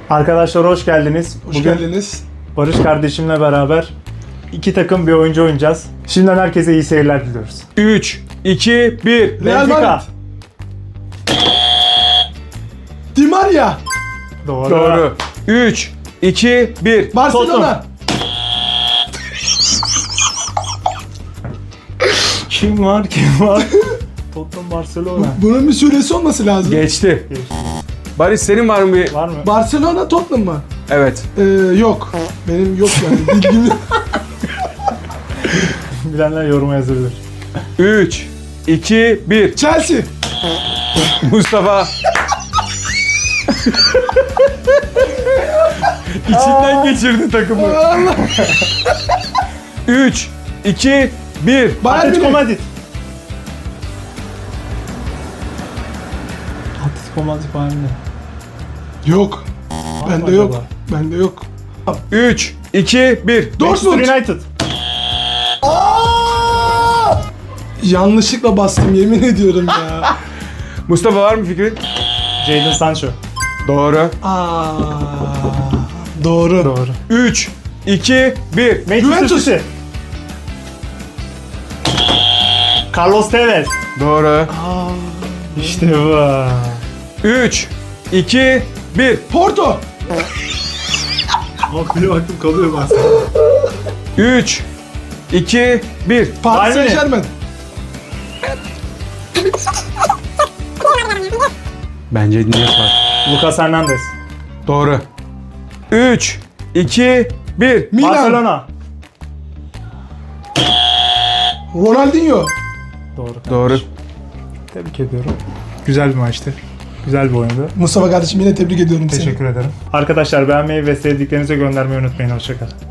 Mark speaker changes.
Speaker 1: Arkadaşlar hoş geldiniz.
Speaker 2: Hoş geldiniz.
Speaker 1: Barış kardeşimle beraber iki takım bir oyuncu oynayacağız. Şimdiden herkese iyi seyirler diliyoruz.
Speaker 3: 3, 2, 1.
Speaker 2: Real
Speaker 1: Benfica.
Speaker 2: Madrid. Di Maria.
Speaker 1: Doğru.
Speaker 3: Doğru. 3, 2, 1.
Speaker 2: Barcelona.
Speaker 1: Kim var? Tottenham, Barcelona.
Speaker 2: Bunun bir süresi olması lazım.
Speaker 3: Geçti. Barış senin var mı bir?
Speaker 1: Var mı?
Speaker 2: Barcelona Tottenham mı?
Speaker 3: Evet.
Speaker 2: Yok. Benim yok yani. Bilgim yok.
Speaker 1: Bilenler yoruma yazabilir.
Speaker 3: 3, 2, 1.
Speaker 2: Chelsea.
Speaker 3: Mustafa. İçinden geçirdi takımı.
Speaker 2: Allah.
Speaker 3: 3, 2, 1.
Speaker 2: Bayern
Speaker 1: Atletico
Speaker 2: Münih.
Speaker 1: Madrid. Atletico Madrid Bayern Münih.
Speaker 2: Yok.
Speaker 1: Var mı
Speaker 2: Bende yok.
Speaker 1: acaba?
Speaker 2: Bende yok.
Speaker 3: 3, 2, 1.
Speaker 2: Dortmund.
Speaker 1: Manchester United.
Speaker 2: Yanlışlıkla bastım yemin ediyorum ya.
Speaker 3: Mustafa var mı fikrin?
Speaker 1: Jadon Sancho.
Speaker 3: Doğru.
Speaker 2: Doğru.
Speaker 1: Doğru.
Speaker 3: 3, 2, 1.
Speaker 1: Manchester
Speaker 2: Juventus.
Speaker 1: City. Carlos Tevez.
Speaker 3: Doğru.
Speaker 1: İşte bu.
Speaker 3: 3, 2, 1.
Speaker 2: Porto.
Speaker 1: Abi bir baktım kalıyor bazen.
Speaker 3: 3, 2, 1.
Speaker 2: Paris
Speaker 1: Bayern Münih.
Speaker 2: Saint-Germain.
Speaker 3: Bence niyet var.
Speaker 1: Lucas Hernandez.
Speaker 3: Doğru. 3, 2, 1.
Speaker 2: Milan.
Speaker 1: Barcelona.
Speaker 2: Ronaldinho.
Speaker 1: Doğru.
Speaker 3: Doğru.
Speaker 1: Tebrik ediyorum. Güzel bir maçtı. Güzel bir oyundu.
Speaker 2: Mustafa kardeşim yine tebrik ediyorum seni.
Speaker 1: Teşekkür ederim. Arkadaşlar beğenmeyi ve sevdiklerinize göndermeyi unutmayın. Hoşçakalın.